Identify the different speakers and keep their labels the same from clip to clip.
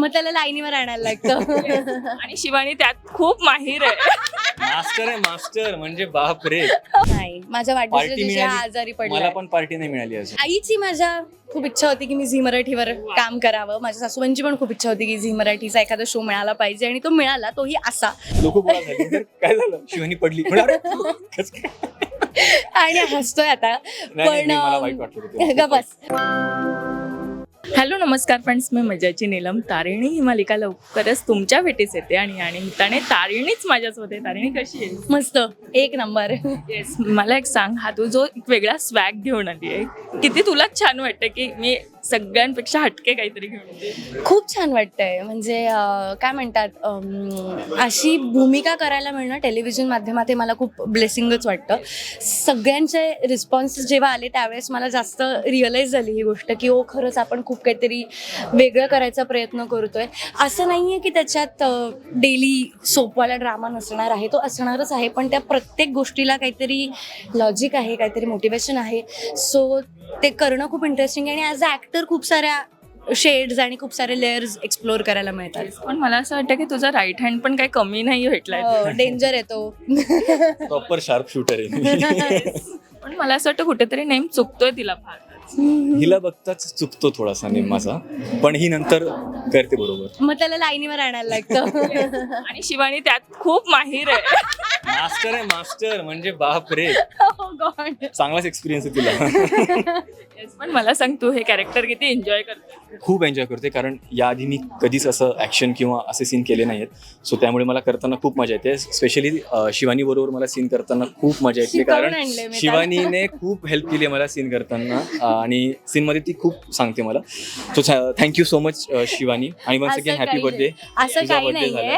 Speaker 1: मग त्याला लाईनीवर आणायला लागतं.
Speaker 2: आणि शिवानी त्यात खूप माहीर आहे.
Speaker 3: मास्टर आहे मास्टर, म्हणजे बाप रे.
Speaker 1: नाही, माझ्या
Speaker 3: पार्टी
Speaker 1: वाढदिवसाच्या दिवशी हा
Speaker 3: मिळाली,
Speaker 1: आजारी
Speaker 3: मला
Speaker 1: पडला.
Speaker 3: पण पार्टी नाही मिळाली अजून.
Speaker 1: आईची माझ्या खूप इच्छा होती की मी झी मराठीवर काम करावं. माझ्या सासूबाईंची पण खूप इच्छा होती की झी मराठीचा एखादा शो मिळाला पाहिजे, आणि तो मिळाला, तोही असा.
Speaker 3: लोक गोळा झाले, तर काय झालं, शिवानी पडली. म्हणलं, अरे, कसं काय?
Speaker 1: आणि हसतोय आता.
Speaker 3: नाही,
Speaker 1: पण
Speaker 3: मला वाईट वाटलं होतं.
Speaker 1: ग बस.
Speaker 2: हॅलो नमस्कार फ्रेंड्स, मी मजाची नीलम. तारिणी ही मालिका लवकरच तुमच्या भेटीस येते आणि निमित्ताने तारिणीच माझ्यासोबत आहे. तारिणी कशी आहे?
Speaker 1: मस्त, एक नंबर.
Speaker 2: येस, मला एक सांग, हा तू जो एक वेगळा स्वॅग घेऊन आली आहे, किती तुलाच छान वाटतं की मी सगळ्यांपेक्षा हटके काहीतरी घेऊन येते.
Speaker 1: खूप छान वाटतंय. म्हणजे काय म्हणतात, अशी भूमिका करायला मिळणं टेलिव्हिजन माध्यमात हे मला खूप ब्लेसिंगच वाटतं. सगळ्यांचे रिस्पॉन्सेस जेव्हा आले त्यावेळेस मला जास्त रिअलाईज झाली ही गोष्ट की ओ, खरंच आपण खूप काहीतरी वेगळं करायचा प्रयत्न करतोय. असं नाही आहे की त्याच्यात डेली सोपवाला ड्रामा नसणार आहे, तो असणारच आहे, पण त्या प्रत्येक गोष्टीला काहीतरी लॉजिक आहे, काहीतरी मोटिवेशन आहे. सो ते करणं खूप इंटरेस्टिंग आहे, आणि ॲज अ ॲक्टर खूप साऱ्या शेड्स आणि खूप सारे लेअर्स एक्सप्लोअर करायला मिळतात.
Speaker 2: पण मला असं वाटतं की तुझा राईट हँड पण काही कमी नाही भेटलाय.
Speaker 1: डेंजर येतो.
Speaker 3: प्रॉपर शार्प शूटर आहे.
Speaker 2: पण मला असं वाटतं कुठेतरी नेम चुकतोय तिला फार.
Speaker 3: हिला बघताच चुकतो थोडासा नेम माझा, पण ही नंतर करते बरोबर.
Speaker 1: मग त्याला लाईनीवर आणायला लागतं.
Speaker 2: आणि शिवानी त्यात खूप माहीर आहे.
Speaker 3: मास्टर आहे मास्टर, म्हणजे बाप रे.
Speaker 1: Oh God.
Speaker 3: चांगलाच एक्सपिरियन्स आहे तिला.
Speaker 2: Yes, पण मला सांग, तू हे कॅरेक्टर किती एन्जॉय करते?
Speaker 3: खूप एन्जॉय करते, कारण याआधी मी कधीच असं ॲक्शन किंवा असे सीन केले नाहीत. सो त्यामुळे मला करताना खूप मजा येते. स्पेशली शिवानी बरोबर मला सीन करताना खूप मजा येते,
Speaker 1: शिकवून
Speaker 3: कारण
Speaker 1: आणलंय मी
Speaker 3: शिवानीने खूप हेल्प केली आहे मला सीन करताना, आणि सीनमध्ये ती खूप सांगते मला. So thank you so much Shivani, आणि वन्स अगेन हॅपी बर्थडे.
Speaker 1: असं काही नाहीये.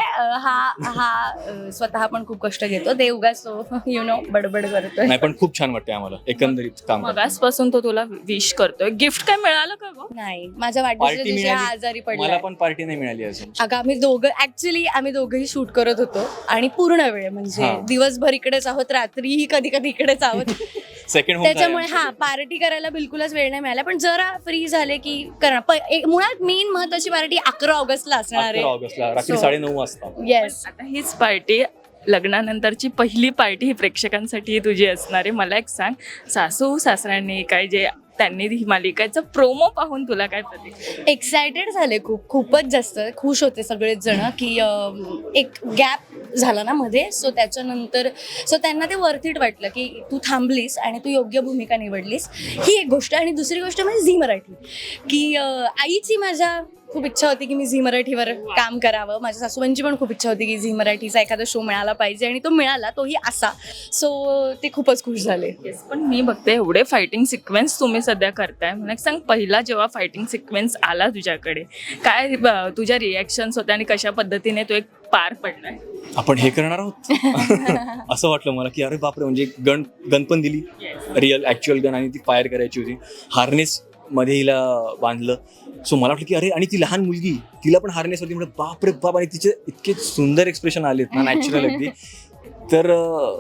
Speaker 1: हा स्वतः पण खूप कष्ट घेतो, ते उगाच बडबड करतोय.
Speaker 3: नाही, पण खूप छान वाटते आम्हाला एकंदरीत काम करताना.
Speaker 2: मगासपासून तो तुला विश करतोय. गिफ्ट काय मिळालं का गं?
Speaker 1: नाही, माझ्या वाढदिवसाच्या
Speaker 3: पार्टी
Speaker 1: दिवशी हा
Speaker 3: मिळाली,
Speaker 1: आजारी
Speaker 3: मला
Speaker 1: पडला.
Speaker 3: पण पार्टी नाही मिळाली अजून.
Speaker 1: अगं आम्ही दोघंही शूट करत होतो, आणि पूर्ण वेळ म्हणजे
Speaker 3: हा.
Speaker 1: दिवसभर इकडेच आहोत, रात्रीही कधी कधी इकडेच आहोत.
Speaker 3: सेकंड होम
Speaker 1: त्याच्यामुळे पार्टी करायला बिलकुलच वेळ नाही मिळाला. पण जरा फ्री झाले की करणार. मुळात मेन महत्वाची पार्टी 11 ऑगस्टला असणार
Speaker 3: 11 ऑगस्टला रात्री
Speaker 1: So,
Speaker 3: 9:30 वाजता.
Speaker 1: येस.
Speaker 2: आता हीच पार्टी, लग्नानंतरची पहिली पार्टी ही प्रेक्षकांसाठी तुझी असणार आहे. मला एक सांग, सासू सासऱ्यांनी काय जे त्यांनी ही मालिकेचं प्रोमो पाहून तुला काय प्रतिक्रिया?
Speaker 1: एक्सायटेड झाले, खूपच जास्त खुश होते सगळेच जण की एक गॅप झाला ना मध्ये. सो त्याच्यानंतर त्यांना ते वर्थ इट वाटलं की तू थांबलीस आणि तू योग्य भूमिका निवडलीस, ही एक गोष्ट. आणि दुसरी गोष्ट म्हणजे झी मराठी, की आईची माझ्या खूप इच्छा होती की मी झी मराठीवर काम करावं. माझ्या सासूबाईंची पण खूप इच्छा होती की झी मराठीचा एखादा शो मिळाला पाहिजे, आणि तो मिळाला, तोही असा. सो ते खूपच खुश झाले.
Speaker 2: पण मी बघते एवढे फायटिंग सिक्वेन्स तुम्ही सध्या करताय. मला एक सांग, पहिला जेव्हा फायटिंग सिक्वेन्स आला तुझ्याकडे, काय तुझ्या रिॲक्शन्स होत्या आणि कशा पद्धतीने तो एक पार पडलाय?
Speaker 3: आपण हे करणार आहोत असं वाटलं मला, की अरे बापरे, म्हणजे गन पण दिली, रिअल ॲक्च्युअल गन, आणि ती फायर करायची होती. हार्नेस मध्ये हिला बांधलं. सो मला वाटलं की अरे, आणि ती लहान मुलगी, तिला पण हार्नेस होती. म्हणजे बापरे बाप, आणि तिचे इतके सुंदर एक्सप्रेशन आलेत ना, नॅचरल अगदी. तर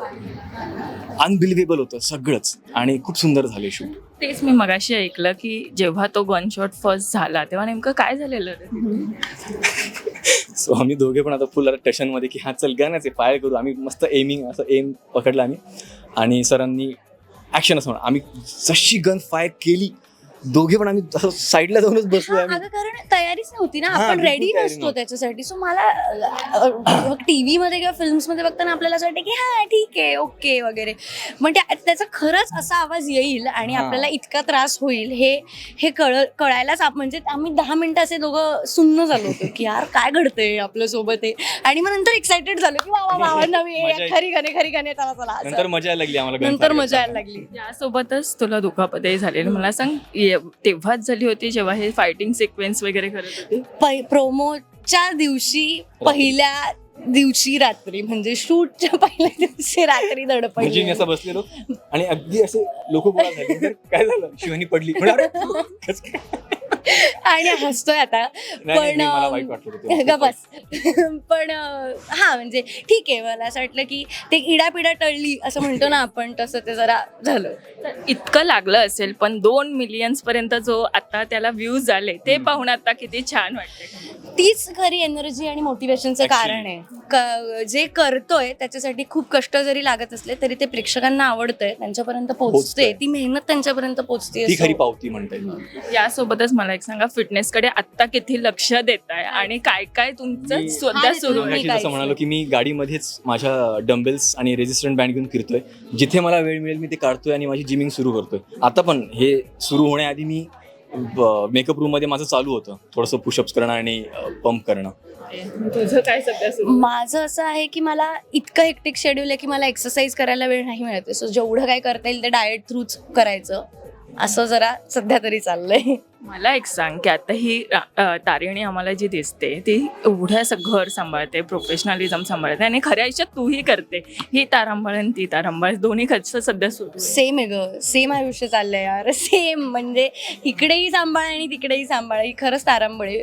Speaker 3: अनबिलिव्हेबल होतं सगळंच, आणि खूप सुंदर झाले शूट.
Speaker 2: तेच मी मगाशी ऐकलं की जेव्हा तो गन शॉट फर्स्ट झाला तेव्हा नेमकं काय झालेलं रे?
Speaker 3: सो आम्ही दोघे पण आता फुल टेन्शनमध्ये की हा चल गनच आहे, फायर करू. आम्ही मस्त एम पकडला आम्ही, आणि सरांनी ॲक्शन असं म्हणा. आम्ही जशी गन फायर केली, दोघे पण आम्ही साईडला जाऊनच बसलो आम्ही.
Speaker 1: अगं, कारण तयारीच नव्हती ना,
Speaker 3: हा,
Speaker 1: आपण
Speaker 3: बिलकुल
Speaker 1: रेडी
Speaker 3: तयारी
Speaker 1: नसतो
Speaker 3: नव्हती.
Speaker 1: त्याच्यासाठी. सो मला टीव्ही मध्ये किंवा फिल्म्स मध्ये बघताना आपल्याला असं वाटतं की हा ठीक आहे, ओके वगैरे, पण त्याचा खरंच असा आवाज येईल आणि
Speaker 3: हा.
Speaker 1: आपल्याला इतका त्रास होईल हे कळायलाच म्हणजे आम्ही 10 मिनिटं असे दोघं सुन्न झालो होतो की यार काय घडतंय आपल्या सोबत आहे. आणि मग नंतर एक्सायटेड झालो की वा नवी
Speaker 3: मजा
Speaker 1: खरी गाणे चला चला
Speaker 3: नंतर मजा यायला लागली आम्हाला.
Speaker 1: नंतर मजा यायला लागली.
Speaker 2: यासोबतच तुला दुखापतही झालेली. मला सांग, तेव्हाच झाली होती जेव्हा हे फायटिंग सिक्वेन्स वगैरे करत होते?
Speaker 1: प्रोमोच्या दिवशी, पहिल्या दिवशी रात्री, म्हणजे शूटच्या पहिल्या दिवशी रात्री
Speaker 3: म्हणजे मी
Speaker 1: दडपडली.
Speaker 3: असं बसलेलो, आणि अगदी असे लोक गोळा झाले, तर काय झालं, शिवानी पडली. म्हणलं, अरे, कसं काय?
Speaker 1: आणि हसतोय आता.
Speaker 3: नाही,
Speaker 1: पण
Speaker 3: मला वाईट वाटलं होतं तेव्हा.
Speaker 1: ग बस. पण हा म्हणजे ठीक आहे, मला असं वाटलं की ते इडापिडा टळली असं म्हणतो ना आपण, तसं ते जरा झालं.
Speaker 2: तर इतकं लागलं असेल, पण 2 मिलियन्स पर्यंत जो आता त्याला व्ह्यूज आले ते पाहून आता किती छान वाटते.
Speaker 1: तीच खरी एनर्जी आणि मोटिवेशनचं कारण आहे. जे करतोय त्याच्यासाठी खूप कष्ट जरी लागत असले तरी ते प्रेक्षकांना आवडतंय, त्यांच्यापर्यंत पोहोचते,
Speaker 3: पोहोचतंय.
Speaker 1: ती मेहनत त्यांच्यापर्यंत पोहोचते.
Speaker 3: ती खरी पावती म्हणता येईल.
Speaker 2: यासोबतच मला एक सांगा, फिटनेसकडे आत्ता किती लक्ष देत आहे आणि काय काय तुमचं
Speaker 3: मी-
Speaker 2: सध्या सुरू
Speaker 1: मी
Speaker 2: आहे?
Speaker 3: मगाशी जसं म्हणालो की मी गाडीमध्येच माझ्या डम्बेल्स आणि रेजिस्टंट बँड घेऊन फिरतोय. जिथे मला वेळ मिळेल मी ते काढतोय आणि माझी जिमिंग सुरू करतोय. आता पण हे सुरू होण्याआधी मी मेकअप रूममध्ये माझं चालू होतं थोडंसं पुशअप्स करणं आणि पंप करणं.
Speaker 2: तुझं काय सध्या सुरू?
Speaker 1: माझं असं आहे की मला इतकं हेक्टिक शेड्यूल आहे की मला एक्सरसाइज करायला वेळ नाही मिळत. सो जेवढं काय करता येईल ते डाएट थ्रूच करायचं, असं जरा सध्या तरी चाललंय.
Speaker 2: मला एक सांग की आता ही तारिणी आम्हाला जी दिसते ती एवढं घर सांभाळते, प्रोफेशनलिझम सांभाळते आणि खऱ्या आयुष्यात तूही करते. ही तारांबळ आणि ती तारांबळ दोन्ही कसं सध्या सुरू आहे?
Speaker 1: सेम आहे ग, सेम आयुष्य चाललंय यार, सेम. म्हणजे इकडेही सांभाळ आणि तिकडेही सांभाळ, ही खरंच तारांबळ आहे.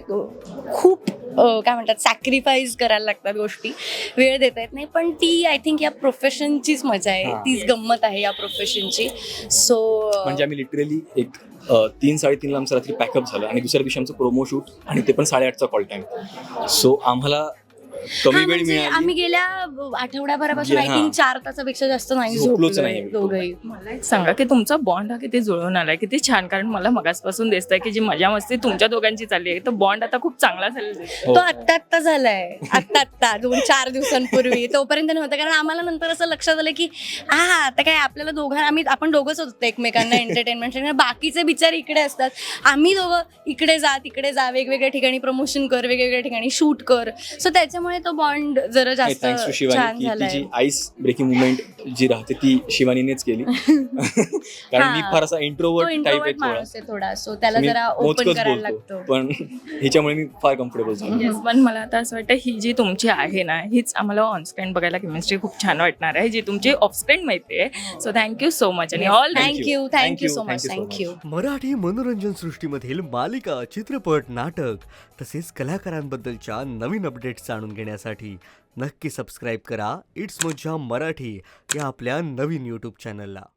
Speaker 1: खूप काय म्हणतात, सॅक्रिफाईस करायला लागतात गोष्टी, वेळ देता येत नाही. पण ती आय थिंक या प्रोफेशनचीच मजा आहे, तीच गंमत आहे या प्रोफेशनची. सो
Speaker 3: म्हणजे आम्ही लिटरली एक 3-3:30ला आमचं रात्री पॅकअप झालं आणि दुसऱ्या दिवशी आमचं प्रोमो शूट आणि ते पण 8:30चा कॉल टाइम. सो आम्हाला कमी वेळ मिळाली.
Speaker 1: आम्ही गेल्या आठवड्याभरापासून आय
Speaker 3: हा.
Speaker 1: थिंक 4 तासापेक्षा जास्त नाही
Speaker 3: झोपलोच
Speaker 1: झोपलोय
Speaker 3: नाही.
Speaker 1: दोघंही.
Speaker 2: मला एक सांगा की तुमचा बॉन्ड हा किती जुळून आलाय, किती छान. कारण मला मगासपासून दिसतंय की जी मजा मस्ती तुमच्या दोघांची चालली आहे, तो बॉन्ड आता खूप चांगला झालेला दिसतोय.
Speaker 3: हो.
Speaker 1: तो आत्ता झालाय, आत्ता 2-4 दिवसांपूर्वी. तोपर्यंत नव्हतं, कारण आम्हाला नंतर असं लक्षात आलं की आता काय आपल्याला आपण दोघंच होतो एकमेकांना एंटरटेनमेंट. बाकीचे बिचारे इकडे असतात, आम्ही दोघं इकडे जा, वेगवेगळ्या ठिकाणी प्रमोशन कर, वेगवेगळ्या ठिकाणी शूट कर. सो त्याच्यामुळे तो बॉन्ड जरा जास्त
Speaker 3: थँक्स टू
Speaker 1: छान
Speaker 3: शिवानी की
Speaker 1: झालाय.
Speaker 3: तिची आईस ब्रेकिंग मुवमेंट जी राहते ती शिवानीनेच केली. कारण मी फार असा
Speaker 1: तो
Speaker 3: इंट्रोवर्ट टाईप आहे
Speaker 1: इंट्रोवर्ट
Speaker 3: थोडा.
Speaker 1: माणूस आहे थोडा, सो त्याला
Speaker 3: मी
Speaker 1: जरा ओपन
Speaker 3: मोजकंच
Speaker 1: करायला
Speaker 3: बोलतो.
Speaker 1: लागतो.
Speaker 3: पण ह्याच्यामुळे मी फार कम्फर्टेबल झालो.
Speaker 2: Yes, पण मला आता असं वाटतं ही जी तुमची आहे ना, हीच आम्हाला ऑनस्क्रीन बघायला केमिस्ट्री खूप छान वाटणार आहे, जी तुमची ऑफस्क्रीन माहिती आहे. सो थँक्यू सो मच आणि all
Speaker 1: thank you so much. Thank you.
Speaker 4: Marathi मनोरंजन सृष्टीमधील मालिका, चित्रपट, नाटक तसेच कलाकारांबद्दलच्या नवीन अपडेट्स जाणून घेण्यासाठी नक्की सबस्क्राईब करा इट्स मज्जा मराठी या आपल्या नवीन यूट्यूब चॅनलला.